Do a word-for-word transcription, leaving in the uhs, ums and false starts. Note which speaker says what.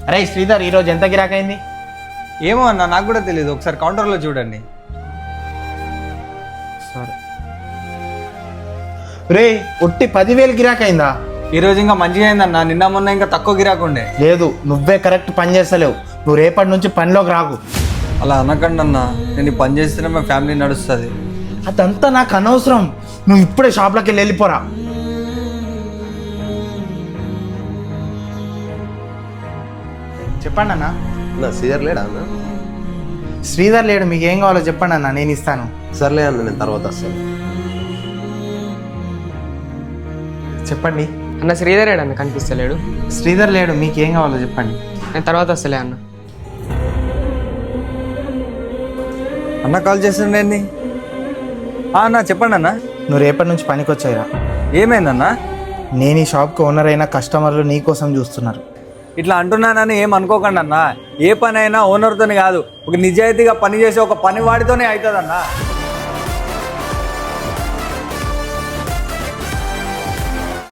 Speaker 1: అరే శ్రీధర్, ఈరోజు ఎంత గిరాకైంది?
Speaker 2: ఏమో అన్న, నాకు కూడా తెలియదు. ఒకసారి కౌంటర్లో చూడండి.
Speaker 1: సరే రే, ఒట్టి పదివేలు గిరాకైందా?
Speaker 2: ఈరోజు ఇంకా మంచిగా అయిందన్న. నిన్న మొన్న ఇంకా తక్కువ గిరాకుండే.
Speaker 1: లేదు, నువ్వే కరెక్ట్ పని చేస్తలేవు. నువ్వు రేపటి నుంచి పనిలోకి రాకు.
Speaker 2: అలా అనకండి అన్న, నేను ఈ పని చేస్తేనే మా ఫ్యామిలీ నడుస్తుంది.
Speaker 1: అదంతా నాకు అనవసరం. నువ్వు ఇప్పుడే షాప్లోకి వెళ్ళి వెళ్ళిపోరా. చెప్పండి అన్న.
Speaker 3: నా శ్రీధర్ లేడా అన్న?
Speaker 1: శ్రీధర్ లేడు, మీకు ఏం కావాలో చెప్పండి అన్న, నేను ఇస్తాను.
Speaker 3: సర్లే అన్న, నేను తర్వాత వస్తాను.
Speaker 1: చెప్పండి.
Speaker 4: అన్న శ్రీధర్ ఏడు అన్న, కనిపిస్తలేడు.
Speaker 1: శ్రీధర్ లేడు, మీకు ఏం కావాలో చెప్పండి.
Speaker 4: నేను తర్వాత వస్తలే అన్న.
Speaker 2: అన్న కాల్ చేస్తుండేంది? అన్న చెప్పండి అన్న.
Speaker 1: నువ్వు రేపటి నుంచి పనికి వచ్చాయిరా.
Speaker 2: ఏమైందన్నా?
Speaker 1: నేను ఈ షాప్కి ఓనర్ అయిన కస్టమర్లు నీ కోసం చూస్తున్నారు.
Speaker 2: ఇట్లా అంటున్నానని ఏం అనుకోకండి అన్న. ఏ పని అయినా ఓనర్తోనే కాదు, ఒక నిజాయితీగా పని చేసే ఒక పని వాడితోనే అవుతుంది అన్న.